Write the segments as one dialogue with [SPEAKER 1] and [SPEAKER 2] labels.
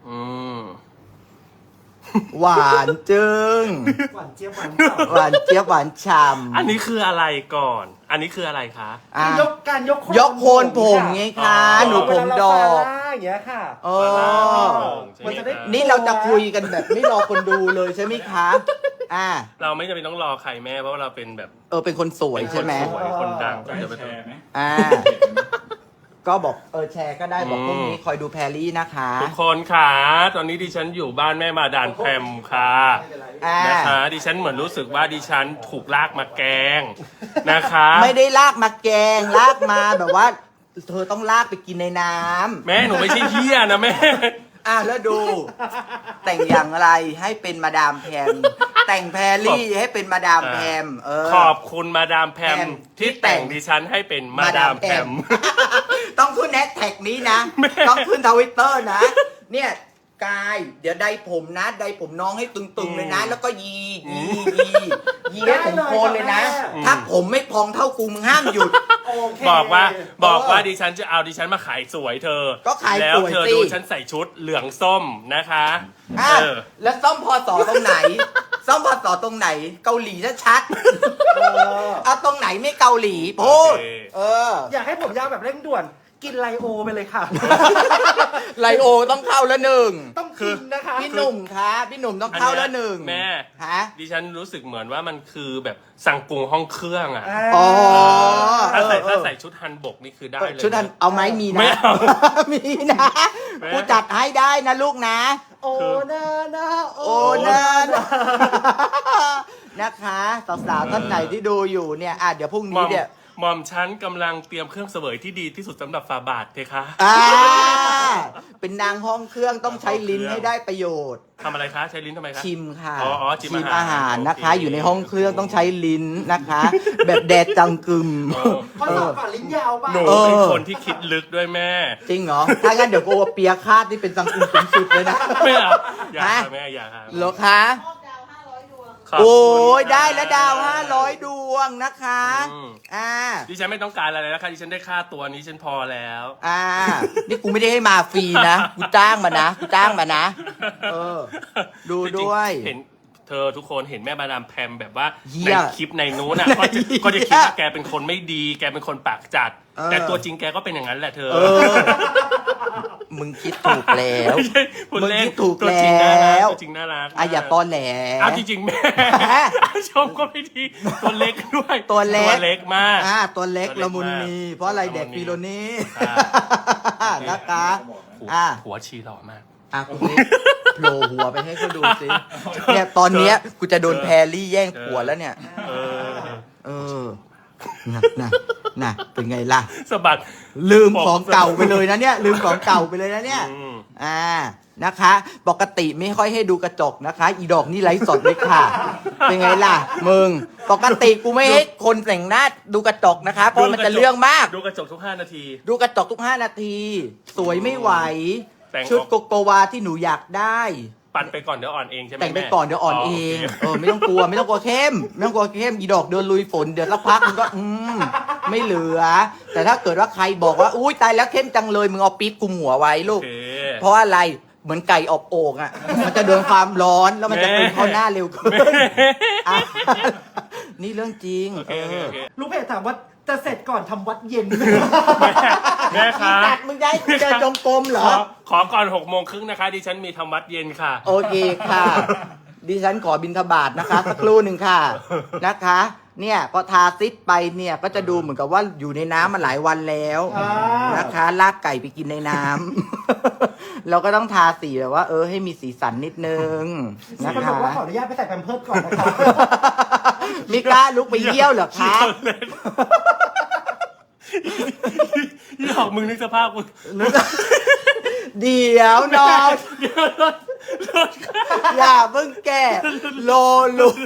[SPEAKER 1] อืม
[SPEAKER 2] หวานจึง
[SPEAKER 3] หวานเจี๊ยบหวาน
[SPEAKER 2] หวานเจี๊ยบหวานฉ่ำ
[SPEAKER 1] อันนี้คืออะไรก่อน อันนี้คืออะไรคะ
[SPEAKER 2] อ่ะ
[SPEAKER 3] การยก
[SPEAKER 2] ยกโคนผมไงคะ
[SPEAKER 1] อ๋อ
[SPEAKER 2] หนูผมดอก
[SPEAKER 3] อย่างเงี้ยค่ะ
[SPEAKER 2] เอ
[SPEAKER 1] ใช่ไหม
[SPEAKER 2] อ
[SPEAKER 3] มันจะได้
[SPEAKER 2] นี่เราจะคุยกันแบบไม่รอคนดูเลยใช่ไหมคะอ่า
[SPEAKER 1] เราไม่จำเป็นต้องรอใครแม่เพราะว่าเราเป็นแบบ
[SPEAKER 2] เป็นคนสวยใช่ไหม
[SPEAKER 1] เป็นคนสวยคนดัง
[SPEAKER 4] จะให้แชร์ไหม
[SPEAKER 2] อ่า ก็บอกแชร์ก็ได้บอกพวกนี้คอยดูแพรรี่นะคะ
[SPEAKER 1] ทุกคนค่ะตอนนี้ดิฉันอยู่บ้านแม่มาดานแพมค่ะ
[SPEAKER 2] อ่า
[SPEAKER 1] นะคะดิฉันเหมือนรู้สึกว่าดิฉันถูกลากมาแกงนะคะ
[SPEAKER 2] ไม่ได้ลากมาแกงลากมาแบบว่า เธอต้องลากไปกินในน้ำ
[SPEAKER 1] แม่หนูไม่ใช่เฮียนะแม่
[SPEAKER 2] แล้วดู แต่งอย่างไรให้เป็นมาดามแพมแต่งแพรรี่ให้เป็นมาดามแพม
[SPEAKER 1] ขอบคุณมาดามแพม
[SPEAKER 2] แพม
[SPEAKER 1] ที่แต่งดิฉันให้เป็นมาดามแพม
[SPEAKER 2] ต้องขึ้นแฮชแท็กนี้นะ ต้องขึ้นทวิตเตอร์นะ เนี่ยกาย เดี๋ยวใดผมนะใดผมน้องให้ตึงๆเลยนะ แล้วก็ยีให้ผมโคนเลยนะ ถ้าผมไม่พองเท่ากูมึงห้ามหยุด
[SPEAKER 3] โอเค
[SPEAKER 1] บอกว่าดิฉันจะเอาดิฉันมาขายสวยเธอ
[SPEAKER 2] ก็ขาย
[SPEAKER 1] แล้ว
[SPEAKER 2] สวย
[SPEAKER 1] เธอ
[SPEAKER 2] สิ
[SPEAKER 1] ดูฉันใส่ชุดเหลืองส้มนะคะ
[SPEAKER 2] แล้วซ่อมพอสอตรงไหน ซ่อมพอสอตรงไหน เกาหลีชัด
[SPEAKER 3] เออ
[SPEAKER 2] ๆเอาตรงไหนไม่เกาหลีพูด
[SPEAKER 3] อยากให้ผมยาวแบบเร่งด่วน กินไลโอไปเลยค่ะ
[SPEAKER 2] ไลโอต้องเข้าแล้วหนึ่ง
[SPEAKER 3] ต้องกินนะคะ
[SPEAKER 2] พี่หนุ่มคะพี่หนุ่มต้องเข้าแล้วหนึ่ง
[SPEAKER 1] แม่
[SPEAKER 2] ฮะ
[SPEAKER 1] ดิฉันรู้สึกเหมือนว่ามันคือแบบสั่งกรุงห้องเครื่องอ่ะ
[SPEAKER 2] อ๋อ
[SPEAKER 1] ถ้าใส่ชุดฮันบกนี่คือได้เลย
[SPEAKER 2] ชุดนั้นเอาไหมมี
[SPEAKER 1] ไม่
[SPEAKER 2] นะ
[SPEAKER 1] เอา
[SPEAKER 2] มีนะ
[SPEAKER 1] แม่
[SPEAKER 2] กูจัดให้ได้นะลูกนะ
[SPEAKER 3] โอ้นะ
[SPEAKER 2] โอ้นะนะคะสาวๆท่านไหนที่ดูอยู่เนี่ยเดี๋ยวพรุ่ง
[SPEAKER 1] หม่
[SPEAKER 2] นี้
[SPEAKER 1] อม
[SPEAKER 2] เนี่ย
[SPEAKER 1] หม่อมฉันกำลังเตรียมเครื่องเสวยที่ดีที่สุดสำหรับฝาบาทเพคะ
[SPEAKER 2] เป็นนางห้องเครื่องต้องใช้ลิ้นให้ได้ประโยชน์
[SPEAKER 1] ทำอะไรคะใช้ลิ้นทำไมคะ
[SPEAKER 2] ชิมค่ะ
[SPEAKER 1] อ๋อชิมอาหาร
[SPEAKER 2] อาหารนะคะ
[SPEAKER 1] โอเค
[SPEAKER 2] อยู่ในห้องเครื่องต้องใช้ลิ้นนะคะ แบบแดดจังกึม
[SPEAKER 3] ข้อสอบก่อนลิ้นยาวป่ะ
[SPEAKER 1] หนูเป็นคนที่คิดลึกด้วยแม่
[SPEAKER 2] จริงเหรอ ถ้างั้นเดี๋ยวกูเอาเปียคาดที่เป็นจังกึมสูงสุดเลยนะ
[SPEAKER 1] ไม่เอาอยากค่ะแม่อยากค่ะ
[SPEAKER 2] เหรอคะ
[SPEAKER 1] ขบคุณ
[SPEAKER 2] โอ้ยได้แล้วดาว500 ดวงนะคะ
[SPEAKER 1] อืม
[SPEAKER 2] ดิ
[SPEAKER 1] ดิฉันไม่ต้องการอะไรแล้วค่ะดิฉันได้ค่าตัวนี้ฉันพอแล้ว
[SPEAKER 2] นี่กูไม่ได้ให้มาฟรีนะ กูจ้างมานะ ดู
[SPEAKER 1] จริงๆ
[SPEAKER 2] ด้วย
[SPEAKER 1] เห็นเธอทุกคนเห็นแม่มาดามแพมแบบว่า
[SPEAKER 2] เหี้
[SPEAKER 1] ใน
[SPEAKER 2] ย
[SPEAKER 1] คลิปในนู้นอ่ะ
[SPEAKER 2] ใน
[SPEAKER 1] ก็จะ
[SPEAKER 2] เหี้ย
[SPEAKER 1] คิดว่าแกเป็นคนไม่ดีแกเป็นคนปากจัด แต่ตัวจริงแกก็เป็นอย่างนั้นแหละเธอ
[SPEAKER 2] มึงคิดถูกแล้ว
[SPEAKER 1] ไม่ใช่คุณเล่น
[SPEAKER 2] มึงคิดถูก
[SPEAKER 1] ตัวจริงน่ารั
[SPEAKER 2] แล้ว
[SPEAKER 1] ตัวจริงน่ารัก
[SPEAKER 2] อย่าตอนแหล
[SPEAKER 1] เอาจริงๆแม่ ชมก็ไม่ดีตัวเล็กด้วย
[SPEAKER 2] ตัวเล็ก
[SPEAKER 1] ตัวเล็กมาก
[SPEAKER 2] ตัวเล็ก
[SPEAKER 1] ตัวเล็ก
[SPEAKER 2] ละมุน
[SPEAKER 1] มาก
[SPEAKER 2] นีเพราะอะไร
[SPEAKER 1] ละมุน
[SPEAKER 2] เด็กฟิโลนี่
[SPEAKER 1] อ่า
[SPEAKER 2] นะคะ
[SPEAKER 1] หัวชีหล่อมาก
[SPEAKER 2] กูนี่โผล่หัวไปให้เขาดูสิเนี่ยตอนเนี้ยกูจะโดนแพรรี่แย่งผัวแล้วเนี่ย
[SPEAKER 1] เออ
[SPEAKER 2] น่ะเป็นไงล่ะ
[SPEAKER 1] สะบัด
[SPEAKER 2] ลืมของเก่าไปเลยนะเนี่ย ลืมของเก่าไปเลยนะเนี่ย
[SPEAKER 1] อืม
[SPEAKER 2] นะคะ ปกติไม่ค่อยให้ดูกระจกนะคะ อีดอกนี่ไลฟ์สดเลยค่ะ เป็นไงล่ะ มึง ปกติกูไม่ให้คนแต่งหน้าดูกระจกนะคะ เพราะมันจะเรื่องมาก
[SPEAKER 1] ดูกระจกทุก5 นาที
[SPEAKER 2] ดูกระจกทุก5 นาที สวยไม่ไหว
[SPEAKER 1] แต่งออก
[SPEAKER 2] ชุดโกโกวาที่หนูอยากได้
[SPEAKER 1] ปั่นไปก่อนเดี๋ยวอ่อนเองใช่ไหม
[SPEAKER 2] แต่งไป
[SPEAKER 1] แม่
[SPEAKER 2] ก่อนเดี๋ยวอ่อนเอง ไม่ต้องกลัวไม่ต้องกลัวเข้มไม่ต้องกลัวเข้มอีดอกเดินลุยฝนเดี๋ยวสักพักมึงก็ไม่เหลือ แต่ถ้าเกิดว่าใครบอกว่าอุ้ยตายแล้วเข้มจังเลยมึงเอาปี๊บคุมหัวไว้ลู
[SPEAKER 1] โอก เค
[SPEAKER 2] เพราะอะไรเหมือนไก่อบโอ่งอ่ะ มันจะโดนความร้อนแล้วมันจะเป็นเข้าหน้าเร็วขึ้นอ่ะนี่เรื่องจริง
[SPEAKER 1] โอเคโอเค
[SPEAKER 3] ลูกเพจถามว่าจะเสร็จก่อนทำวัดเย็นไหม
[SPEAKER 1] แม่คะ
[SPEAKER 2] ตัดมึงได้กูเดินจงกรมเหรอ
[SPEAKER 1] ขอก่อน6 โมงครึ่งนะคะดิฉันมีทำวัดเย็นค่ะ
[SPEAKER 2] โอเคค่ะ ดิฉันขอบิณฑบาตนะคะสักครู่หนึ่งค่ะนะคะ เนี่ยพอทาซิดไปเนี่ยก็จะดูเหมือนกับว่าอยู่ในน้ำมาหลายวันแล้วนะคะลากไก่ไปกินในน้ำ เราก็ต้องทาสีแบบว่า ให้มีสีสันนิดนึง
[SPEAKER 3] มี
[SPEAKER 2] นะ
[SPEAKER 3] คนบ
[SPEAKER 2] คะ
[SPEAKER 3] อกว่าขออนุญาตไปใส่แพมเพิร์สก่อนนะคะ
[SPEAKER 2] มิกล้าลุกไปเยี่ยวเหรอคะ
[SPEAKER 1] นี่หอกมึงนึกสภาพกู
[SPEAKER 2] เดี๋ยวน้องอย่าเพิ่งแก่โลหลุด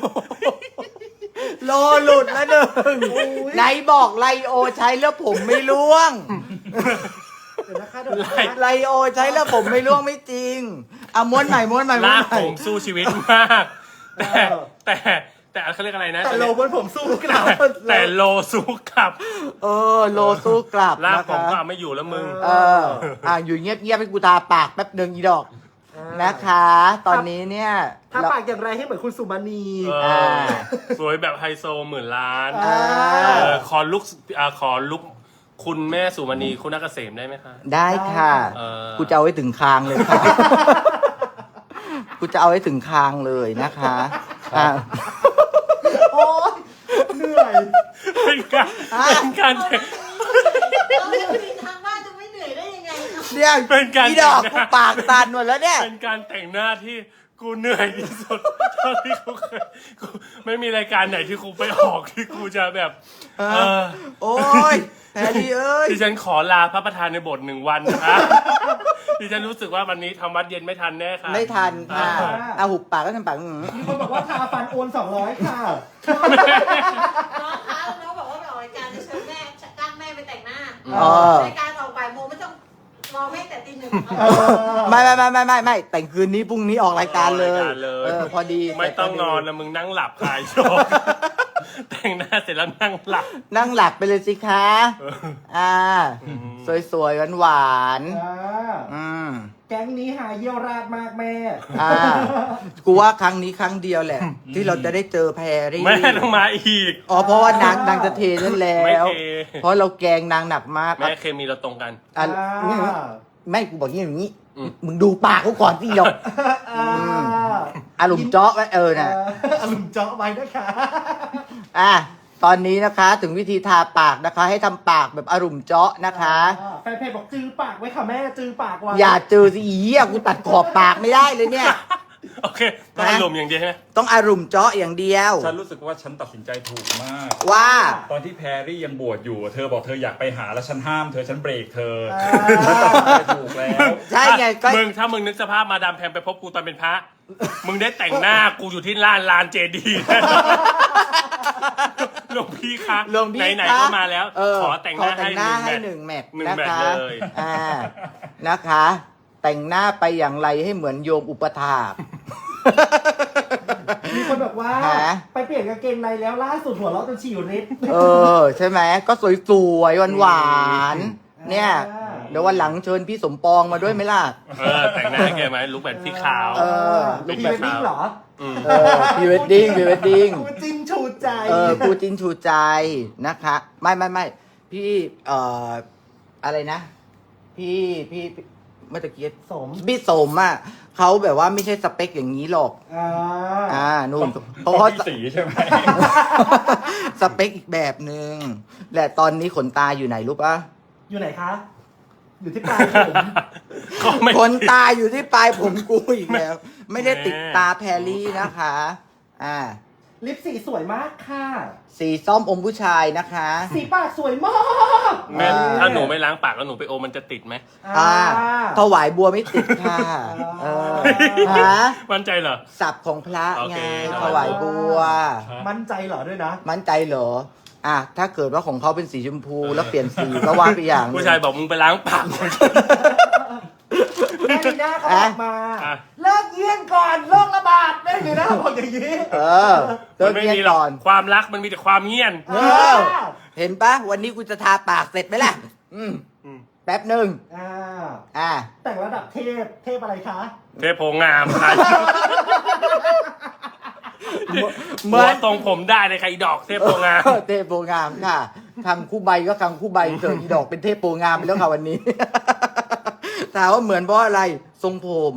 [SPEAKER 2] แล้วหนึ่งไหนบอกไลโอใช้แล้วผมไม่ร่วง
[SPEAKER 3] เดี๋ยวนะคะเดี๋ยวนะ
[SPEAKER 2] ไลโอใช้แล้วผมไม่ร่วงไม่จริงเอาม้วนใหม่
[SPEAKER 1] ลากผมสู้ชีวิตมาก แต่เขาเรียกอะไรนะ
[SPEAKER 3] แต่โลบนผมสู้กลับ
[SPEAKER 1] แต่โลสู้กลับ
[SPEAKER 2] โลสู้กลับ
[SPEAKER 1] ลาก
[SPEAKER 2] นะ
[SPEAKER 1] ผม
[SPEAKER 2] คะ
[SPEAKER 1] ก็เอาไม่อยู่แล้วมึง
[SPEAKER 2] อยู่เงียบๆให้กูทาปากแป๊บหนึ่งอีดอกนะคะ ตอนนี้เนี่ย
[SPEAKER 3] ถ้าปากอย่างไรให้เหมือนคุณสุมาณี
[SPEAKER 1] เออสวยแบบไฮโซ10,000,000
[SPEAKER 3] อ่า
[SPEAKER 1] ขอลุกคุณแม่สุมณีคุณนักเกษมได้ไหมคะ
[SPEAKER 2] ได้ค่ะ
[SPEAKER 1] เออ
[SPEAKER 2] กูจะเอาไว้ถึงคางเลยค่ะ กูจะเอาไว้ถึงคางเลยนะคะอ่ะ
[SPEAKER 3] โอ๊ยเหนื่อย
[SPEAKER 1] เป็นการแต่ง
[SPEAKER 4] เราจะไปทางบ้านจะไม่เหนื่อยได้ยังไงเนาะ
[SPEAKER 2] เนี่ย
[SPEAKER 1] เป็นการ
[SPEAKER 2] อีดอก
[SPEAKER 1] แต่งห
[SPEAKER 2] กู
[SPEAKER 1] น้า
[SPEAKER 2] ปากตันหมดแล้วเนี่ย
[SPEAKER 1] เป็นการแต่งหน้าที่กูเหนื่อยที่สุดเท่าที่กูเคยกูไม่มีรายการไหนที่กูไปออกที่กูจะแบบ
[SPEAKER 2] โอ้ยแพรรี่เอ้ย
[SPEAKER 1] ดิฉันขอลาพระประธานในโบสถ์1 วันนะคะดิฉันรู้สึกว่าวันนี้ทำวัดเย็นไม่ทันแน่ค่ะ
[SPEAKER 2] ไม่ทันค่ะเอาหุบปากก็ทำปาก
[SPEAKER 3] มีคนบอกว่าทาฟันโอน200ค่ะ
[SPEAKER 4] น้องคะน้องบอกว่าไปออกรายการจะเชิญแม่จ้างแม่ไปแต่งหน้า
[SPEAKER 2] อ๋อ
[SPEAKER 4] รายการออกบ่ายโมงไม่ต้องรอแม่แต่ตี 1
[SPEAKER 2] ไม่แต่งคืนนี้พรุ่งนี้ออกรายการเลย พอดี
[SPEAKER 1] ไม่ต้องนอนนะมึงนั่งหลับคลายโชคแต่งหน้าเสร็จแล้วนั่งหลับ
[SPEAKER 2] นั่งหลับไปเลยสิคะสวยๆหวานๆ
[SPEAKER 3] แก๊งนี้หาเยี่ยวราดมากแม่
[SPEAKER 2] กูว่าครั้งนี้ครั้งเดียวแหละ ที่เราจะได้เจอแพรรี่
[SPEAKER 1] แม่ต้องมาอีก
[SPEAKER 2] อ๋อเพราะว่านางจะเทนั่นแล้
[SPEAKER 1] ไม่
[SPEAKER 2] ว
[SPEAKER 1] เท
[SPEAKER 2] เพราะเราแกงนางหนักมาก
[SPEAKER 1] แม่เคมีเราตรงกัน
[SPEAKER 2] อ่ะไม่กูบอกอย่างนี้ มึงดูปากเขาก่อนสิหยกอารมณ์เจาะไว้น่ะ
[SPEAKER 3] อารมณ์เจาะไว้นะคะ
[SPEAKER 2] ตอนนี้นะคะถึงวิธีทาปากนะคะ ให้ทำปากแบบอารมณ์เจาะนะคะ
[SPEAKER 3] แฟนเพจบอกจือปากไว้ค่ะแม่จือปากไว้
[SPEAKER 2] อย่าเจอสิอีอ่ะกูตัดขอบปากไม่ได้เลยเนี่ย
[SPEAKER 1] โอเคต้องอารมณ์อย่างเดียวใช่ไหม
[SPEAKER 2] ต้องอารมณ์เจาะอย่างเดียว
[SPEAKER 5] ฉันรู้สึกว่าฉันตัดสินใจถูกมาก
[SPEAKER 2] ว่า
[SPEAKER 5] ตอนที่แพรรี่ยังบวชอยู่ เธอบอกเธออยากไปหาแล้วฉันห้ามเธอฉันเบรกเธอฉันตัดสินใจถูกแล้ว
[SPEAKER 2] ใช่ไงก็
[SPEAKER 1] ถ้ามึงนึกสภาพมาดามแพมไปพบกูตอนเป็นพระ มึงได้แต่งหน้ากูอยู่ที่ลานเจดีย์หลวงพี่คะ
[SPEAKER 2] หลวงพี่
[SPEAKER 1] ไหน
[SPEAKER 2] คะ
[SPEAKER 1] ๆก็มาแล้ว ขอแต่งหน้า
[SPEAKER 2] ให้
[SPEAKER 1] ให้
[SPEAKER 2] หนึ่งแมท
[SPEAKER 1] หนึ่ง
[SPEAKER 2] นะ
[SPEAKER 1] แมท
[SPEAKER 2] คะ
[SPEAKER 1] เลย
[SPEAKER 2] นะคะ แต่งหน้าไปอย่างไรให้เหมือนโยมอุปถาก
[SPEAKER 3] มีคนบอกว่า
[SPEAKER 2] ฮะ
[SPEAKER 3] ไปเปลี่ยนกางเกงในแล้วล่าสุดหัวเราะจนฉี่ริด
[SPEAKER 2] ใช่ไหมก็สวยๆหวานๆเนี่ย เดี๋ยววันหลังเชิญพี่สมปองมาด้วยไหมล่ะ
[SPEAKER 1] แต่งหน้าให้แกไหมลุกแบบพี่ขาว
[SPEAKER 3] ลูกพีเวดดิ้งเหรอ
[SPEAKER 2] พรีเวดดิ้ง
[SPEAKER 3] กูจิ้นชูใจ
[SPEAKER 2] กูจินชูใจนะคะ ไม่พี่อะไรนะ พี่เมื่อตะกี้
[SPEAKER 3] สม
[SPEAKER 2] พี่สมอ่ะเขาแบบว่าไม่ใช่สเปคอย่างนี้หรอกนู่นเพ
[SPEAKER 5] เพราะ
[SPEAKER 2] ราะ
[SPEAKER 5] พี่สีใช่ไหม
[SPEAKER 2] สเปคอีกแบบหนึ่งและตอนนี้ขนตาอยู่ไหนรู้ปะ
[SPEAKER 3] อยู่ไหนคะ อยู่ที่ปลายผม
[SPEAKER 1] ก็ไม่
[SPEAKER 2] ขนตาอยู่ที่ปลายผมกูอีกแล้ว ไม่ได้ติดตาแพรรี่นะคะ
[SPEAKER 3] ลิปสีสวยมากค่ะ
[SPEAKER 2] สีส้มอมผู้ชายนะคะ
[SPEAKER 3] สีปากสวยมาก
[SPEAKER 1] แม่ถ้าหนูไม่ล้างปากแล้วหนูไปโอมันจะติดไหม
[SPEAKER 2] ถวายบัวไม่ติดค่ะฮะ
[SPEAKER 1] มั่นใจเหรอ
[SPEAKER 2] สับของพระ
[SPEAKER 1] โอ
[SPEAKER 2] ไง
[SPEAKER 1] เค
[SPEAKER 2] ถวายบัว
[SPEAKER 3] มั่นใจเหรอด้วยนะ
[SPEAKER 2] มั่นใจเหรอถ้าเกิดว่าของเขาเป็นสีชมพูแล้วเปลี่ยนสีก็ว่าไปอย่างหนึ่ง
[SPEAKER 1] ผู้ชายบอกมึงไปล้างปาก
[SPEAKER 3] แม่ลีน่าเขาบอกมา
[SPEAKER 1] อ่ะ
[SPEAKER 3] เลิกเยี่ยงก่อนโรคระบาดแม่ลีน่าบอกอย่างนี้
[SPEAKER 2] เลิ
[SPEAKER 1] มั
[SPEAKER 2] ก
[SPEAKER 1] นไม่
[SPEAKER 2] เรียน
[SPEAKER 1] มีหรอ
[SPEAKER 2] ก่
[SPEAKER 1] ก
[SPEAKER 2] อน
[SPEAKER 1] ความรักมันมีแต่ความเงียบ
[SPEAKER 2] เห็นปะวันนี้กูจะทาปากเสร็จไหมล่ะแป๊บหนึ่ง
[SPEAKER 3] แต่งระดับเทพอะไรคะ
[SPEAKER 1] เทพโพงามใคร
[SPEAKER 2] เหมือน
[SPEAKER 1] ตรงผมได้เลยใครดอกเทพโพงาม
[SPEAKER 2] เทพโพงามค่ะคำคู่ใบก็คำคู่ใบเถอะอีดอกเป็นเทพโพงามไปแล้วค่ะวันนี้ ถามว่าเหมือนเพราะอะไรทรงผม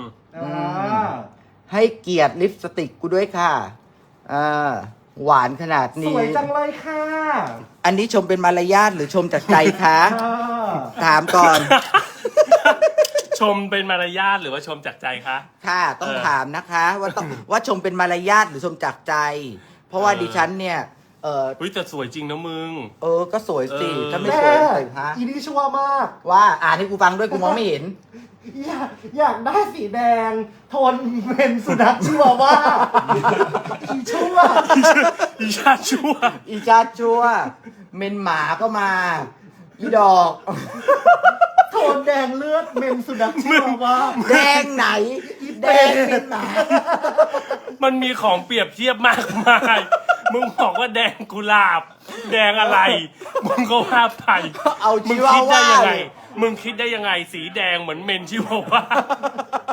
[SPEAKER 2] ให้เกียรติลิปสติกกูด้วยค่ะหวานขนาด
[SPEAKER 3] ส
[SPEAKER 2] นี้
[SPEAKER 3] วยจังเลยค่ะ
[SPEAKER 2] อันนี้ชมเป็นมารยาทหรือชมจากใจคะถามก่อน
[SPEAKER 1] ชมเป็นมารยาทหรือว่าชมจากใจคะ
[SPEAKER 2] ค่ะต้องถามนะคะว่าชมเป็นมารยาทหรือชมจากใจ เพราะว่าดิฉันเนี่ย
[SPEAKER 1] แต่สวยจริงนะมึง
[SPEAKER 2] ก็สวยสิ ถ้าไม่
[SPEAKER 3] แม่
[SPEAKER 2] สวยใส่ฮะ
[SPEAKER 3] อีนี่ชั่วมาก
[SPEAKER 2] ว่าอ่านให้กูฟังด้วยกูมองไม่เห็น
[SPEAKER 3] อยากได้สีแดง ทนเป็นสุนัขชิวาว่าอีชั่ว
[SPEAKER 1] อีชาชั่ว
[SPEAKER 2] อีชาชัวเมนหมาก็มาอีดอก
[SPEAKER 3] โทนแดงเลือดเมนสุนัขชิวาว่า
[SPEAKER 2] แดงไหน แดงเป็นหมา
[SPEAKER 1] มันมีของเปรียบเทียบมากมาย มึงบอกว่าแดงกุหลาบ แดงอะไร มึงก็ว่าไป
[SPEAKER 2] เอา
[SPEAKER 1] มึ
[SPEAKER 2] ชิ
[SPEAKER 1] ง
[SPEAKER 2] วา
[SPEAKER 1] คิดได้
[SPEAKER 2] ว่า
[SPEAKER 1] ยังไง มึงคิดได้ยังไง สีแดงเหมือนเมนชิวาว่า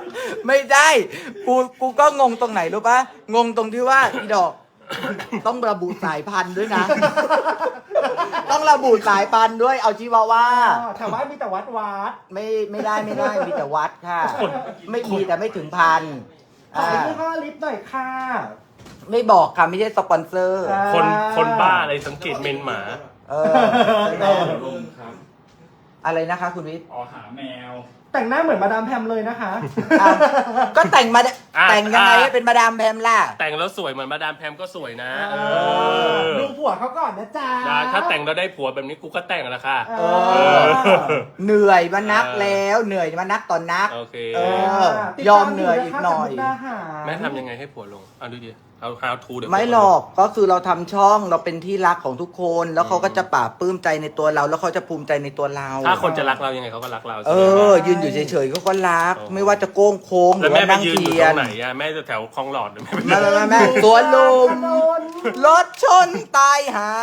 [SPEAKER 2] ไม่ได้กูก็งงตรงไหนรู้ปะงงตรงที่ว่าอีดอก ต้องระบุสายพันธุ์ด้วยนะ ต้องระบุสายพันธุ์ด้วยเอาชิวาว่า
[SPEAKER 3] แถวบ้านมีแต่วัด
[SPEAKER 2] ไม่ได้มีแต่วัดค่ะ ไม่มีแต่ไม่ถึงพัน
[SPEAKER 3] ขอยี่ห้อลิปหน่อยค่ะ
[SPEAKER 2] ไม่บอกค่ะไม่ใช่สปอนเซอร์
[SPEAKER 1] คนบ้าอะไรสังเกตเมนหมา
[SPEAKER 2] เออ
[SPEAKER 5] ลงครับ
[SPEAKER 2] อะไรนะคะคุณวิทย์
[SPEAKER 5] อ๋อหาแมว
[SPEAKER 3] แต่งหน้าเหมือนมาดามแพมเลยนะคะ
[SPEAKER 2] อ่ะก็แต่งมา
[SPEAKER 1] อ่ะ
[SPEAKER 2] แต่งยังไงให้เป็นมาดามแพมล่ะ
[SPEAKER 1] แต่งแล้วสวยเหมือนมาดามแพมก็สวยนะ
[SPEAKER 3] ดูผัวเขาก่อนนะจ๊ะ
[SPEAKER 1] ได้ถ้าแต่งแล้วได้ผัวแบบนี้กูก็แต่งแล้วค่ะ
[SPEAKER 3] เออ
[SPEAKER 2] เหนื่อยมานักแล้วเหนื่อยมานักตอนนัก
[SPEAKER 1] โอเค
[SPEAKER 2] เออ ยอมเหนื่อยอีกหน่อย
[SPEAKER 1] แม่ทำยังไงให้ผัวลงเอาดูดิเอา how to เดี๋ยว
[SPEAKER 2] ไม่หรอกก็คือเราทำช่องเราเป็นที่รักของทุกคน แล้วเขาก็จะปราบปลื้มใจในตัวเรา แล้วเขาจะภูมิใจในตัวเรา
[SPEAKER 1] ถ้าคนจะรักเรายังไงเขาก็รักเรา
[SPEAKER 2] เออ ยืนอยู่เฉยๆเขาก็รัก ไม่ว่าจะโก้งโค้งห
[SPEAKER 1] แล้
[SPEAKER 2] รื
[SPEAKER 1] ว
[SPEAKER 2] อ
[SPEAKER 1] แม่
[SPEAKER 2] ว่า
[SPEAKER 1] ไป
[SPEAKER 2] นั่ง
[SPEAKER 1] ยืนอ
[SPEAKER 2] เที
[SPEAKER 1] ยู่
[SPEAKER 2] ย
[SPEAKER 1] ตร
[SPEAKER 2] น
[SPEAKER 1] งไหนอะแม่จะแถวคลองหลอดหรือแม่ไป
[SPEAKER 2] แม่สวนลุมรถชนตายหา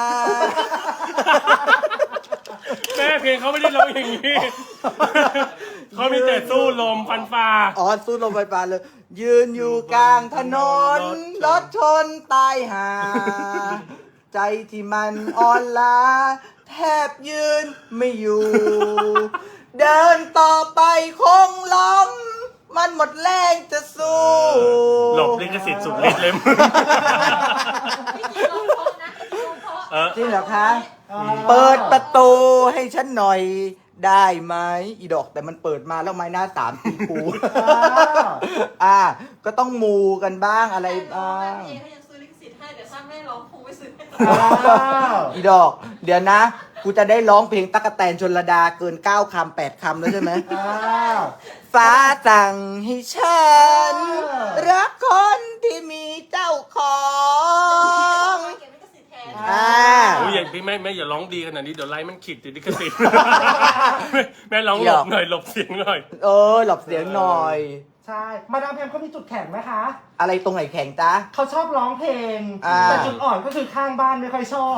[SPEAKER 1] แม่เพลงเขาไม่ได้ร้องอย่างนี้ เขามีแต่สู้ลมฟันฟ้า
[SPEAKER 2] อ๋อสู้ลมไฟฟ้าเลย ยืนอยู่กลางถนนรถชนตายหา ใจที่มันอ่อนล้าแทบยืนไม่อยู่ เดินต่อไปคงล้มมันหมดแรงจะสู้
[SPEAKER 1] หลบลิขสิทธิ์สุดฤทธิ์เลย
[SPEAKER 4] ไม่กี่ร้องเพราะนะไม่กี่ร้องเพราะ
[SPEAKER 1] เออ
[SPEAKER 2] จริงเหรอคะ เปิดประตูให้ฉันหน่อยได้ไหมอีดอกแต่มันเปิดมาแล้วไม้หน้าสามตีกูก็ต้องมูกันบ้างอะไร
[SPEAKER 4] แต่ร้อ
[SPEAKER 2] บ้าง ง
[SPEAKER 4] เองเขายังซื้อลิขสิทธิ์ให้แต่ถ้าไม่ร้องคงไม่ซื้อให้
[SPEAKER 2] อีดอก เดี๋ยวนะ กูจะได้ร้องเพลงตั๊กแตนชลดาเกิน9 คำ 8 คำแล้วใช่ไหม ฟ้าสั่งให้ฉัน รักคนที่มีเจ้าของ
[SPEAKER 4] เก็บลิขสิทธิ์แทน
[SPEAKER 1] โอ้ยอย่างพี่แม่อย่าร้องดีขนาดนี้เดี๋ยวไลน์มันขีดติดลิขสิทธิ์ แม่ร้องหลบหน่อยหลบเสียงหน่อย
[SPEAKER 2] หลบเสียงหน่อย
[SPEAKER 3] ใช่ มาดามแพมเขามีจุดแข็งไหมคะ
[SPEAKER 2] อะไรตรงไหนแข็งจ๊ะ
[SPEAKER 3] เขาชอบร้องเพลง
[SPEAKER 2] อ่า
[SPEAKER 3] แต่จุดอ่อนก็คือข้างบ้านไม่ค่อยชอบ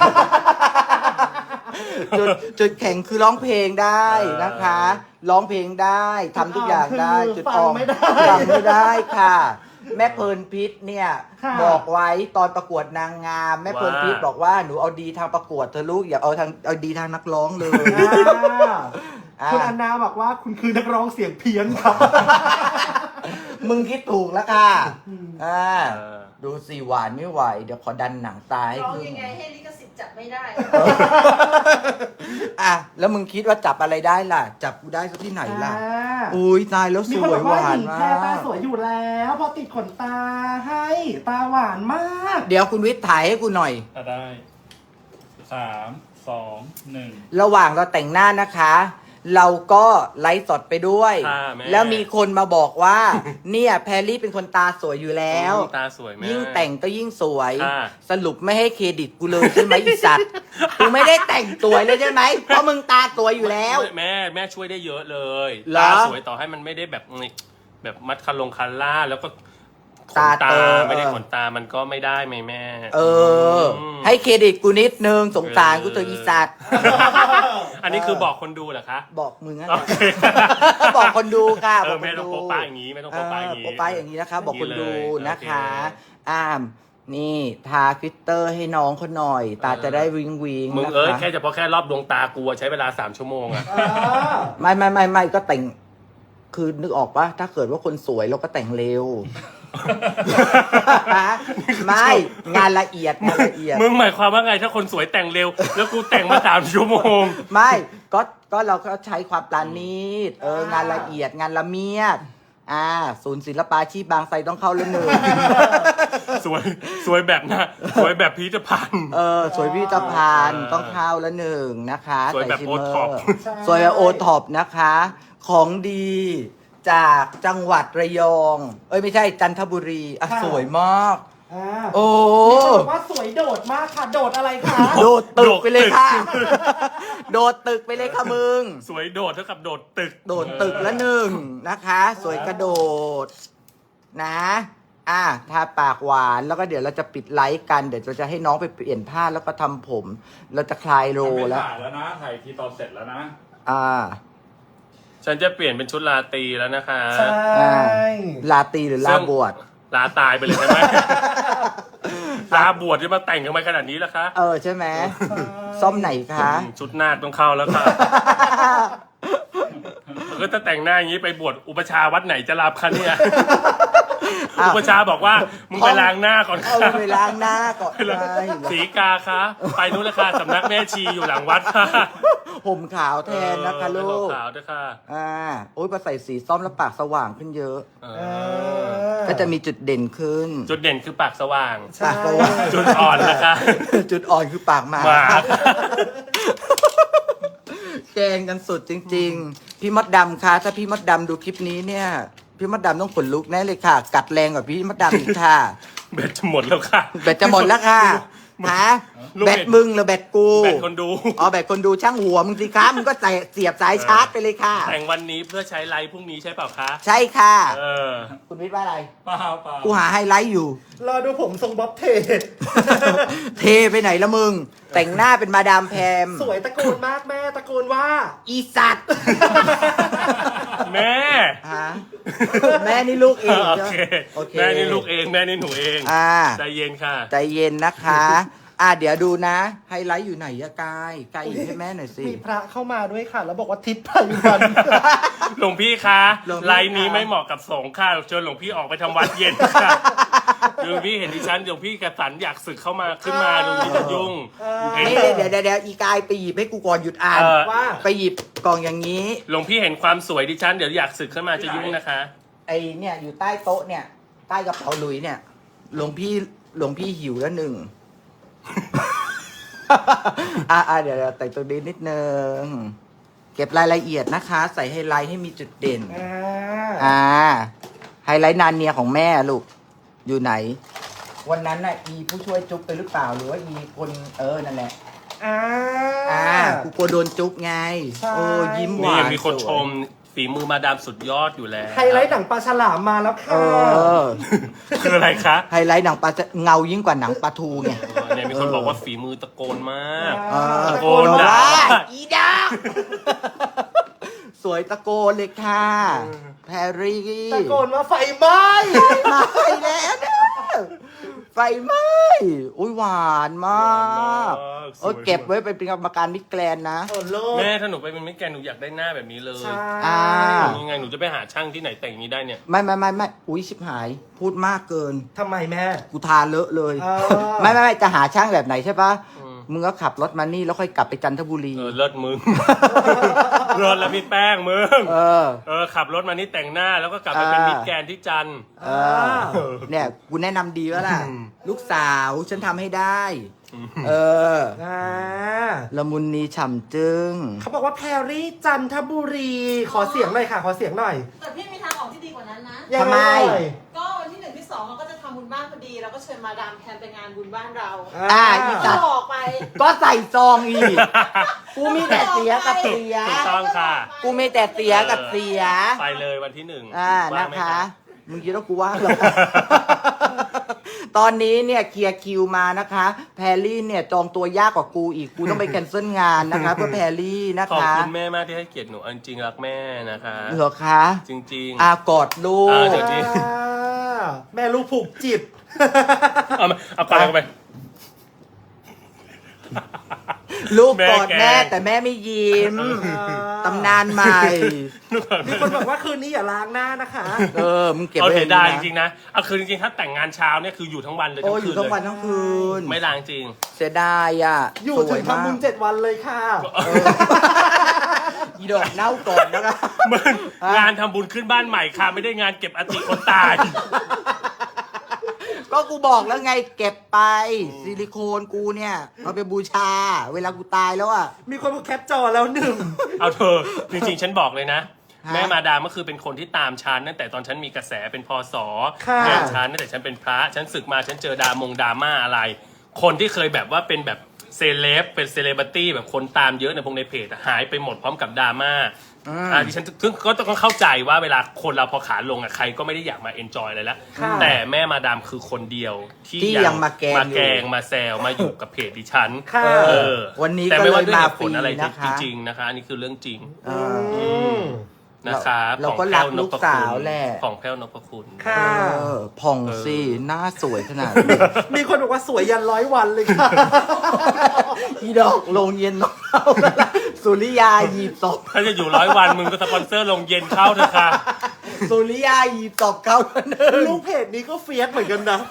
[SPEAKER 2] จุดแข็งคือร้องเพลงได้นะคะ ร้องเพลงได้ทำทุกอย่างได้
[SPEAKER 3] จุ
[SPEAKER 2] จุ
[SPEAKER 3] ด
[SPEAKER 2] ด
[SPEAKER 3] อ่
[SPEAKER 2] อ่
[SPEAKER 3] อ
[SPEAKER 2] อน น
[SPEAKER 3] คือฟังไม่ได้
[SPEAKER 2] ฟังไม่ได้ค่ะ แม่เพลินพิษเนี่ย
[SPEAKER 3] ค่ะ
[SPEAKER 2] บอกไว้ตอนประกวดนางงาม แม่เพลินพิษบอกว่าหนูเอาดีทางประกวดเธอะลูกอย่าเอาดีทางนักร้องเลย
[SPEAKER 3] คุณอันนาบอกว่าคุณคือนักร้องเสียงเพี้ยนครับ
[SPEAKER 2] มึงคิดถูกแล้วค่ะ
[SPEAKER 1] เออ
[SPEAKER 2] ดูสิหวานไม่ไหว เดี๋ยวขอดันหนังตายให้
[SPEAKER 4] ร้อง
[SPEAKER 2] ขึ้น
[SPEAKER 4] ยังไงให้ลิขสิทธิ์จับไม่ได้
[SPEAKER 2] แล้วมึงคิดว่าจับอะไรได้ล่ะ จับกูได้สักที่ไหนล่ะ อุ้ยตายแล้วส
[SPEAKER 3] มีคน
[SPEAKER 2] ว
[SPEAKER 3] บ
[SPEAKER 2] ย
[SPEAKER 3] อก
[SPEAKER 2] ห
[SPEAKER 3] ว่าว
[SPEAKER 2] า
[SPEAKER 3] ห
[SPEAKER 2] น
[SPEAKER 3] ญิง
[SPEAKER 2] มา
[SPEAKER 3] แค่ตาส
[SPEAKER 2] ก
[SPEAKER 3] วยอยู่แล้ว พอติดขนตาให้ตาหวานมาก
[SPEAKER 2] เดี๋ยวคุณวิทย์ถ่ายให้กูหน่อย
[SPEAKER 5] ได้3 2 1
[SPEAKER 2] ระหว่างเราแต่งหน้านะคะ เราก็ไลฟ์สดไปด้วย
[SPEAKER 1] ค่ะแม่
[SPEAKER 2] แล้วมีคนมาบอกว่า เนี่ยแพรรี่เป็นคนตาสวยอยู่แล้ว
[SPEAKER 1] ตาสวยแม่
[SPEAKER 2] ยิ่งแต่งก็ยิ่งสวย
[SPEAKER 1] ค่ะ
[SPEAKER 2] สรุปไม่ให้เครดิตกูเลยใช่ไหมอีสัตว์ กูไม่ได้แต่งสวยเลยใช่ไหมเพราะมึงตาสวยอยู่แล้ว
[SPEAKER 1] แม่ช่วยได้เยอะเลย
[SPEAKER 2] เหรอ
[SPEAKER 1] ตาสวยต่อให้มันไม่ได้แบบนี่แบบมัดคันลงคันล่าแล้วก็ขน
[SPEAKER 2] ตา
[SPEAKER 1] ตา
[SPEAKER 2] เตอ
[SPEAKER 1] ไม่ได้ขนตามันก็ไม่ได้ไหมแม่
[SPEAKER 2] ให้เครดิตกูนิดนึงสงสารกูเถอะอีสัตว์
[SPEAKER 1] อันนี้คือบอกคนดูเหรอคะ
[SPEAKER 2] บอกมึงอะ
[SPEAKER 1] โอเค
[SPEAKER 2] บอกคนดูค่ะ
[SPEAKER 1] เอ
[SPEAKER 2] บอก
[SPEAKER 1] อ
[SPEAKER 2] ค
[SPEAKER 1] แม่
[SPEAKER 2] น
[SPEAKER 1] ต้อง
[SPEAKER 2] ดู
[SPEAKER 1] โปะป้ายอย่างนี้ไม่ต้องโปะป้ายอย่างนี้
[SPEAKER 2] โปะป้ายอย่างนี้นะคะ บอกคนดู
[SPEAKER 1] อย่างนี้เลย
[SPEAKER 2] นะคะ
[SPEAKER 1] โอเค
[SPEAKER 2] นี่ทาฟิลเตอร์ให้น้องเขาหน่อย ตาจะได้วิงวิง
[SPEAKER 1] มึง
[SPEAKER 2] นะ
[SPEAKER 1] เอ้ย
[SPEAKER 2] คะ
[SPEAKER 1] แค่เฉพาะแค่รอบดวงตากูอะใช้เวลา3 ชั่วโมงอะ
[SPEAKER 2] ไม่ก็แต่ง คือนึกออกปะถ้าเกิดว่าคนสวยเราก็แต่งเร็ว ไม่งานละเอียดงานละเอียด
[SPEAKER 1] มึงหมายความว่าไงถ้าคนสวยแต่งเร็ว แล้วกูแต่งมา3 ชั่วโมง
[SPEAKER 2] ไม่ก็เราก็ใช้ความปราณีตงานละเอียดงานละเมียดศูนย์ศิลปาชีพบางไทรต้องเข้าแล้วหนึ่ง
[SPEAKER 1] สวยแบบน่ะสวยแบบพิพิธภัณฑ์
[SPEAKER 2] สวยพิพิธภัณฑ์ต้องเข้าแล้วหนึ่งนะคะ
[SPEAKER 1] สวยแบบ
[SPEAKER 2] ใชิม
[SPEAKER 1] โอ
[SPEAKER 2] เม
[SPEAKER 1] ท็อป
[SPEAKER 2] สวยแบบโอท็อปนะคะ ของดีจากจังหวัดระยอง ไม่ใช่จันทบุรีสวยมาก โอ้
[SPEAKER 3] มีคนบอกว่าสวยโดดมากค่ะ โดดอะไรคะ
[SPEAKER 2] โดดตึกไปเลยค่ะ โดดตึกไปเลยค่ะมึง
[SPEAKER 1] สวยโดดเท่ากับโดดตึก
[SPEAKER 2] โดดตึกละหนึ่งนะคะ สวยกระโดดนะทาปากหวานแล้วก็เดี๋ยวเราจะปิดไลฟ์กันเดี๋ยวเราจะให้น้องไปเปลี่ยนผ้าแล้วก็ทำผม เราจะคลายโร
[SPEAKER 5] ไม่
[SPEAKER 2] แล้ว
[SPEAKER 5] ถ่ายแล้วนะถ่ายทีตอนเสร็จแล้วนะ
[SPEAKER 1] ฉันจะเปลี่ยนเป็นชุดราตรีแล้วนะคะ
[SPEAKER 3] ใช่
[SPEAKER 2] ลาตรีหรือลาบวช
[SPEAKER 1] ลาตายไปเลยใช่ไหม ลาบวชจะมาแต่งกันมาขนาดนี้แล้วคะ
[SPEAKER 2] ใช่ไหมซ่อมไหนคะ
[SPEAKER 1] ชุดนาคต้องเข้าแล้วค่ะ ก็ถ้าแต่งหน้าอย่างนี้ไปบวชอุปชาวัดไหนจะรับคะเนี่ย อุปชาบอกว่ามึงไปล้างหน้าก่อน
[SPEAKER 2] เอา
[SPEAKER 1] ค่ะ
[SPEAKER 2] ไปล้างหน้าก่อน
[SPEAKER 1] สีกาคะไปนู้นเลยค่ะสำนักแม่ชีอยู่หลังวัดค่ะ
[SPEAKER 2] ห่มขาวแทนนะคะลูก
[SPEAKER 1] ขาวด้วยค่ะ
[SPEAKER 2] โอ้ยพอใส่สีส้มแล้วปากสว่างขึ้นเยอะ
[SPEAKER 3] อ
[SPEAKER 2] ก็จะมีจุดเด่นขึ้น
[SPEAKER 1] จุดเด่นคือปากสว่าง
[SPEAKER 3] ใช่
[SPEAKER 2] ปากสว่าง
[SPEAKER 1] จุดอ่อนนะคะ
[SPEAKER 2] จุดอ่อนคือปากหมา
[SPEAKER 1] หมา
[SPEAKER 2] แกงกันสุดจริง ๆ พี่มดดำคะถ้าพี่มดดำดูคลิปนี้เนี่ย พี่มดดำต้องขนลุกแน่เลยค่ะ กัดแรงกว่าพี่มดดำอีกค่ะ
[SPEAKER 1] เบ็ดจะหมดแล้วค่ะ
[SPEAKER 2] แบตจะหมดแล้วค่ะฮะ
[SPEAKER 1] ลูก
[SPEAKER 2] แบตมึงหรือแบตกู
[SPEAKER 1] แบตคนดู
[SPEAKER 2] แบตคนดูช่างหัวมึงสิคะมึงก็ใส่เสียบสายชาร์จไปเลยค่ะ
[SPEAKER 1] แต่งวันนี้เพื่อใช้ไลฟ์พรุ่งนี้ใช่เปล่าคะ
[SPEAKER 2] ใช่ค่ะ
[SPEAKER 1] เออ
[SPEAKER 2] คุณวิทย์ว่าอะไร
[SPEAKER 5] เปล่าเปล่า
[SPEAKER 2] กูหาไฮไลท์อยู่
[SPEAKER 3] รอดูผมทรงบ๊อบเท
[SPEAKER 2] เทไปไหนละมึง แต่งหน้าเป็นมาดามแพม
[SPEAKER 3] สวยตะโกนมากแม่ตะโกนว่า
[SPEAKER 2] อีสัตว์
[SPEAKER 1] แม่
[SPEAKER 2] ฮะแม่นี่ลูกเอง
[SPEAKER 1] โอ
[SPEAKER 2] ใช่
[SPEAKER 1] เค
[SPEAKER 2] ไหมโอเค
[SPEAKER 1] แม่นี่ลูกเองแม่นี่หนูเอง ใจเย็นค่ะ
[SPEAKER 2] ใจเย็นนะคะ เดี๋ยวดูนะ ไฮไลท์อยู่ไหนอะกายหยิบให้แม่หน่อยสิ
[SPEAKER 3] มีพระเข้ามาด้วยค่ะ แล้วบอกว่าทิศไพวัน
[SPEAKER 1] หลวงพี่คะ
[SPEAKER 2] หลวงพี่
[SPEAKER 1] ไลน์นี้ไม่เหมาะกับสงฆ์ค่ะเชิญหลวงพี่ออกไปทำวัดเย็นค่ะหลวงพี่เห็นดิฉันหลวงพี่กระสันอยากศึกเข้ามาขึ้นมาหลวงพี่จะยุ่งเห็น
[SPEAKER 2] นี่เดี๋ยวอีกายไปหยิบให้กูก่อนหยุดอ่าน
[SPEAKER 3] ว่า
[SPEAKER 2] ไปหยิบกล่องอย่างนี้
[SPEAKER 1] หลวงพี่เห็นความสวยดิฉันเดี๋ยวอยากศึกขึ้นมาจะยุ่งนะคะ
[SPEAKER 2] ไอเนี่ยอยู่ใต้โต๊ะเนี่ย ใต้กระเป๋าหลุยเนี่ยหลวงพี่หิวแล้วหนึ่ง เดี๋ยวแต่งตัวนี้นิดนึง เก็บรายละเอียดนะคะ ใส่ไฮไลท์ให้มีจุดเด่น ไฮไลท์นานเนียของแม่ลูก อยู่ไหน วันนั้นน่ะอีผู้ช่วยจุ๊บไปหรือเปล่าหรือว่าอีคนนั่นแหละ กูกลัวโดนจุ๊บไง
[SPEAKER 3] ใช่
[SPEAKER 2] ยิ้มห
[SPEAKER 1] นี่
[SPEAKER 2] วาน
[SPEAKER 1] มีคนชมฝีมือมาดามสุดยอดอยู่แล้ว
[SPEAKER 3] ไฮไลท์หนังปลาฉลามมาแล้วค่ะ
[SPEAKER 1] คืออะไรคะ
[SPEAKER 2] ไฮไลท์หนังปลาจะเงายิ่งกว่าหนังปลาทูไง
[SPEAKER 1] เนี่ยมีคนบอกว่าฝีมือตะโกนมาก
[SPEAKER 2] ตะโกน
[SPEAKER 1] ด่า
[SPEAKER 2] ว่าอีดาสวยตะโกนเลยค่ะ แพรรี่
[SPEAKER 3] ตะโกนว่าไฟไหม้
[SPEAKER 2] มาแล้วนะไฟไหม้อุ้ยหวานมากเก็บไว้เป็นกรรมการมิสแกรนด์นะ
[SPEAKER 3] โอ้โลก
[SPEAKER 1] แม่ถ้าหนูไปเป็นมิสแกรนด์หนูอยากได้หน้าแบบนี้เลย
[SPEAKER 3] ใช่
[SPEAKER 1] ยังไงหนูจะไปหาช่างที่ไหนแต่งอย่างนี้ได้เนี่ย
[SPEAKER 2] ไม่อุ้ยชิบหาย พูดมากเกิน
[SPEAKER 3] ทำไมแม่
[SPEAKER 2] กูทาเลอะเลย
[SPEAKER 3] อ่า
[SPEAKER 2] ไม่จะหาช่างแบบไหนใช่ปะ
[SPEAKER 1] อืม
[SPEAKER 2] มึงก็ขับรถมานี่แล้วค่อยกลับไปจันทบุรี
[SPEAKER 1] เลิศมึง เลิศแล้วพี่แป้งมึง ขับรถมานี่แต่งหน้าแล้วก็กลับไปเป็นมิสแกรนด์ที่จันทร์
[SPEAKER 2] เนี่ยกูแนะนำดีแล้วล่ะ
[SPEAKER 1] อืม
[SPEAKER 2] ลูกสาวฉันทำให้ได้ ละมุนนีฉ่ำจึง
[SPEAKER 3] เขาบอกว่าแพรรี่จันทบุรี ขอเสียงหน่อยค่ะ ขอเสียงหน่อย
[SPEAKER 4] แต่พี่มีทางออกที่ดีกว่านั้นนะ
[SPEAKER 3] ยัง
[SPEAKER 2] ทำไม
[SPEAKER 3] เอ่ย
[SPEAKER 4] ก็วันที่ 1 ที่ 2เราก็จะทำบุญบ้านพอดีเราก็เชิญมาดามแทนไปงานบุญบ้านเรา
[SPEAKER 2] อี
[SPEAKER 4] ก็
[SPEAKER 2] สัตว์
[SPEAKER 4] บอกไป
[SPEAKER 2] ก็ใส่ซองอีก กูมีแต่เสียกับเสีย
[SPEAKER 1] ถูกต้องค่ะ
[SPEAKER 2] กูมีแต่เสียกับเสีย
[SPEAKER 1] ไปเลยวันที่ 1
[SPEAKER 2] นะ
[SPEAKER 1] ว่างไหม
[SPEAKER 2] คะ มึงคิดว่ากูว่างเหรอ ตอนนี้เนี่ยเคลียร์คิวมานะคะ แพรรี่เนี่ยจองตัวยากกว่ากูอีก กูต้องไปแคนเซิลงานนะคะ เพื่อแพรรี่นะ
[SPEAKER 1] ขอบ
[SPEAKER 2] คะ
[SPEAKER 1] คุณแม่มากที่ให้เกียรติหนูเอาจริงๆรักแม่นะคะ
[SPEAKER 2] เหรอคะ
[SPEAKER 1] จริงๆ
[SPEAKER 2] กอดลู
[SPEAKER 1] เดี๋
[SPEAKER 2] ก
[SPEAKER 1] ยวนี้
[SPEAKER 3] แม่ลูกผูกจิต
[SPEAKER 1] เอาไปเอาไป
[SPEAKER 2] ลูกกอด
[SPEAKER 1] แม่
[SPEAKER 2] แม่
[SPEAKER 1] แก
[SPEAKER 2] แต่แม่ไม่ยิ้ม ตำนานใหม่
[SPEAKER 3] มีคนบอกว่าคืนนี้อย่าล้างหน้านะคะ
[SPEAKER 2] มึงเก็บ
[SPEAKER 1] เอา
[SPEAKER 2] ไว้
[SPEAKER 1] เสียดายจ
[SPEAKER 2] นะ
[SPEAKER 1] ริงๆนะเอาคือจริงๆถ้าแต่งงานเช้าเนี่ยคืออยู่ทั้งวันเลย
[SPEAKER 2] โอ้
[SPEAKER 1] ทั้ง
[SPEAKER 2] อ
[SPEAKER 1] คื
[SPEAKER 2] ยู่
[SPEAKER 1] น
[SPEAKER 2] ทั้งวัน
[SPEAKER 1] เลย
[SPEAKER 2] ทั้งคืน
[SPEAKER 1] ไม่ล้างจริง
[SPEAKER 2] เสียดายอ่ะ
[SPEAKER 3] อยู่
[SPEAKER 2] ส
[SPEAKER 3] ถึ
[SPEAKER 2] วย
[SPEAKER 3] ง
[SPEAKER 2] มาก
[SPEAKER 3] ทำบุญ7 วันเลยค่ะ
[SPEAKER 2] อีดอกเน่าก่อนนะคะ
[SPEAKER 1] มึงงานทำบุญขึ้นบ้านใหม่ค่ะ ไม่ได้งานเก็บอธิคนตาย
[SPEAKER 2] ก็กูบอกแล้วไงเก็บไปซิลิโคนกูเนี่ยเอาไปบูชา เวลากูตายแล้วอ่ะ
[SPEAKER 3] มีคนบอกแคปจอแล้วหนึ่ง
[SPEAKER 1] เอาเธอจริงๆฉันบอกเลยนะ
[SPEAKER 2] ฮะ
[SPEAKER 1] แม่มาดามก็คือเป็นคนที่ตามฉันตั้งแต่ตอนฉันมีกระแสเป็นพศ
[SPEAKER 3] ค่ะ
[SPEAKER 1] เรียนฉันตั้งแต่ฉันเป็นพระฉันศึกมาฉันเจอดราม่าอะไร คนที่เคยแบบว่าเป็นแบบเซเลบเป็นเซเลบริตี้แบบคนตามเยอะในพวกในเพจอะหายไปหมดพร้อมกับดราม่าดิฉันซึ่งก็ต้องเข้าใจว่าเวลาคนเราพอขาลงอะใครก็ไม่ได้อยากมาเอนจอยอะไรแล้ว
[SPEAKER 3] ค่ะ
[SPEAKER 1] แต่แม่มาดามคือคนเดียวที่
[SPEAKER 2] ที่ยังมาแกล้งอยู่
[SPEAKER 1] มาแกล้งมาแซวมาอยู่กับเพจดิฉัน
[SPEAKER 3] ค่ะ
[SPEAKER 1] เออ
[SPEAKER 2] วันนี้
[SPEAKER 1] แต่
[SPEAKER 2] ก็
[SPEAKER 1] ไม่
[SPEAKER 2] เล
[SPEAKER 1] ว่าย ด้วย
[SPEAKER 2] มา
[SPEAKER 1] เหตุ
[SPEAKER 2] ฟ
[SPEAKER 1] ผ
[SPEAKER 2] รี
[SPEAKER 1] ลอะไร
[SPEAKER 2] นะคะ
[SPEAKER 1] จริงๆนะคะอันนี้คือเรื่องจริง
[SPEAKER 2] เออ
[SPEAKER 3] อืม
[SPEAKER 1] นะคะ
[SPEAKER 2] เราก็รักลูกสาวแหละ
[SPEAKER 1] ของแพ้วนพคุณ
[SPEAKER 3] ค่ะ
[SPEAKER 2] ผ่องสิหน้าสวยขนาดนี้
[SPEAKER 3] มีคนบอกว่าสวยยัน100 วันเลยค่ะ
[SPEAKER 2] อีดอกลงเย็นน้องเข้าแล้วล่ะสุริยาหยีบศพ
[SPEAKER 1] ถ้าจะอยู่100 วันมึงก็สปอนเซอร์ลงเย็นเข้าเถอะค่ะ
[SPEAKER 2] สุริยาหยีบศพเข้าแล้วนึง
[SPEAKER 3] ลูกเพจนี้ก็เฟียสเหมือนกันนะ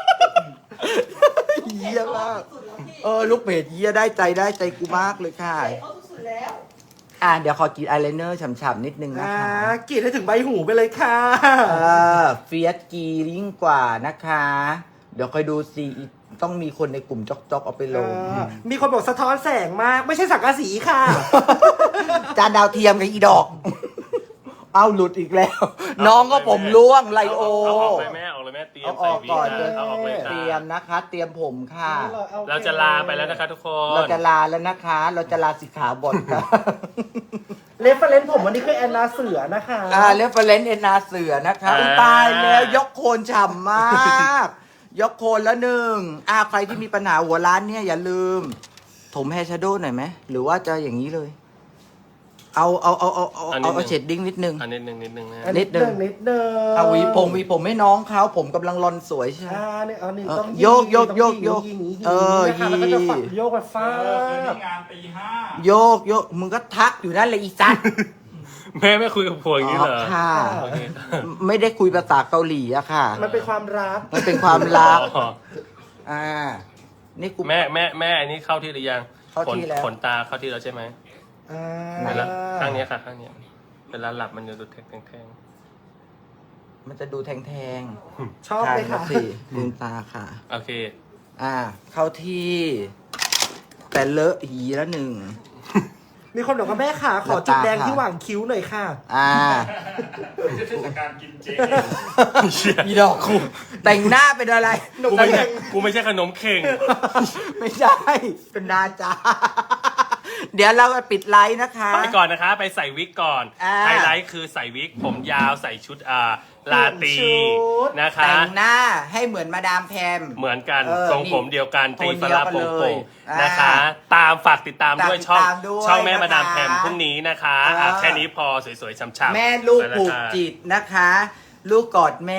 [SPEAKER 2] เยี่ยมาก
[SPEAKER 4] สุดแล้วพี่
[SPEAKER 2] ลูกเพจเยี่ยได้ใจกูมากเลยค่ะ
[SPEAKER 4] เขาสุดแล้ว
[SPEAKER 2] เดี๋ยวขอกรีดอายไลเนอร์ฉ่ำๆนิดนึงนะคะ
[SPEAKER 3] กรีดให้ถึงใบหูไปเลยค่ะ
[SPEAKER 2] เฟียสกียิ่งกว่านะคะ เดี๋ยวคอยดูสิต้องมีคนในกลุ่มจ๊อกๆเอาไปลง
[SPEAKER 3] มีคนบอกสะท้อนแสงมาก ไม่ใช่สังกะสีค่ะ
[SPEAKER 2] จานดาวเทียมกับอีดอก เอาหลุดอีกแล้ว น้องก็ผมร่วงไลโอ
[SPEAKER 1] เอาออกเลยแม่ออกเลยแม่เตรียม
[SPEAKER 2] เอาอ
[SPEAKER 1] ใส่
[SPEAKER 2] อก
[SPEAKER 1] วี
[SPEAKER 2] ก่อน
[SPEAKER 1] นะเอาออกเลย
[SPEAKER 2] เตรีย
[SPEAKER 1] ค่ะ
[SPEAKER 2] มนะคะ เตรียมผมค่ะ
[SPEAKER 1] เราจะลาไปแล้วนะคะทุกคน
[SPEAKER 2] เราจะลาแล้วนะคะ เราจะลาสิกขาบทค่ะ
[SPEAKER 3] เรฟเฟรนซ์ผมวันนี้คือแอนนาเสือนะคะ
[SPEAKER 2] เรฟเฟรนซ์เอ็นนาเสือนะคะ
[SPEAKER 1] อ่า
[SPEAKER 2] ตายแล้วยกโคนฉ่ำมาก ยกโคนแล้วหนึ่งใครที่มีปัญหาหัวร้านเนี่ยอย่าลืม ถมแฮร์ชโดว์หน่อยไหมหรือว่าจะอย่างนี้เลย เอาเชดดิ้งนิดนึง
[SPEAKER 1] อันนิดนึงนะ
[SPEAKER 2] นิดนึง
[SPEAKER 3] นิดนึง
[SPEAKER 2] เอาหวีผมให้น้องเขาผมกำลังรอนสวยใช่ไหม
[SPEAKER 3] นี่เอานี่ต้อง
[SPEAKER 2] โยก
[SPEAKER 3] ต้อง
[SPEAKER 2] โยก
[SPEAKER 3] ยิงยิง
[SPEAKER 2] ยิง
[SPEAKER 3] นะคะแล้วก็จะฝักโยกไปฟา
[SPEAKER 5] คืน
[SPEAKER 3] ด
[SPEAKER 5] นี้งานตี 5
[SPEAKER 2] โยกมึงก็ทักอยู่นั่นเลยอีสัตว์
[SPEAKER 1] แม่ไม่คุยกับผัวอย่างนี้เหรอ
[SPEAKER 2] ค่ะ
[SPEAKER 1] โอเค
[SPEAKER 2] ไม่ได้คุยภาษาเกาหลีอะค่ะ
[SPEAKER 3] มันเป็นความรัก
[SPEAKER 2] มันเป็นความรัก
[SPEAKER 1] อ๋อ
[SPEAKER 2] นี่กู
[SPEAKER 1] แม่อันนี้เข้าที่หรือยัง
[SPEAKER 2] เข้าที่แล้ว
[SPEAKER 1] ขนตาเข้าที่แล้วใช่ไหม
[SPEAKER 2] ไหน
[SPEAKER 1] เวลา
[SPEAKER 2] ล่ะ
[SPEAKER 1] ข้างเนี้ยค่ะข้างเนี้ยเวลาหลับมันจะดูแทง
[SPEAKER 2] มันจะดูแทง
[SPEAKER 3] ชอบเลยค่ะ
[SPEAKER 2] สิลืมตาค่ะ
[SPEAKER 1] ๆโอเค
[SPEAKER 2] เข้าที่ แต่เลอะหีละหนึ่ง
[SPEAKER 3] มีคนบอกว่าแม่ขาขอจุดแดงที่หว่างคิ้วหน่อยค่ะ
[SPEAKER 5] ไม่ใช่เทศกาลกินเจ
[SPEAKER 2] อีดอกกูแต่งหน้าเป็นอะไร
[SPEAKER 1] กูไม่ใช่ขนมเข่ง
[SPEAKER 2] ไม่ใช่ เป็นนาจา เดี๋ยวเราปิดไลฟ์นะคะ
[SPEAKER 1] ไปก่อนนะคะ ไปใส่วิกก่อน ไฮไลท์คือใส่วิกผมยาวใส่ชุดลาตรี
[SPEAKER 3] ชุด
[SPEAKER 1] นะคะ
[SPEAKER 2] แต่งหน้าให้เหมือนมาดามแพม
[SPEAKER 1] เหมือนกัน
[SPEAKER 2] เออ
[SPEAKER 1] ทรงผมเดียวกัน
[SPEAKER 2] โท
[SPEAKER 1] ตี
[SPEAKER 2] น
[SPEAKER 1] ฟ
[SPEAKER 2] เดียว
[SPEAKER 1] ลา
[SPEAKER 2] กัน
[SPEAKER 1] โป่
[SPEAKER 2] เลย
[SPEAKER 1] งๆนะคะ ฝากติดตามด้วย
[SPEAKER 2] ฝากติด
[SPEAKER 1] ช่อง
[SPEAKER 2] ตามด้วย
[SPEAKER 1] ช่องแม่มาดาม
[SPEAKER 2] นะคะ
[SPEAKER 1] แพมพรุ่งนี้นะคะ แค่นี้พอสวยๆช้ำๆ
[SPEAKER 2] แม่ลูก
[SPEAKER 1] ไปแว
[SPEAKER 2] ผูก
[SPEAKER 1] ค่ะ
[SPEAKER 2] จิตนะคะ ลูกกอดแม่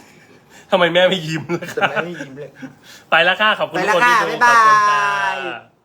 [SPEAKER 1] ทำไมแม่ไม่ยิ้มเลย
[SPEAKER 2] แต่
[SPEAKER 1] คะ
[SPEAKER 2] แม่ไม่ยิ้มเลย
[SPEAKER 1] ไปแล้วค่ะ ขอบคุณทุกคนที่ดู
[SPEAKER 2] ไปแล้วค่ะ
[SPEAKER 1] ขอบคุณ
[SPEAKER 2] บ๊ายบาย
[SPEAKER 1] ค่ะ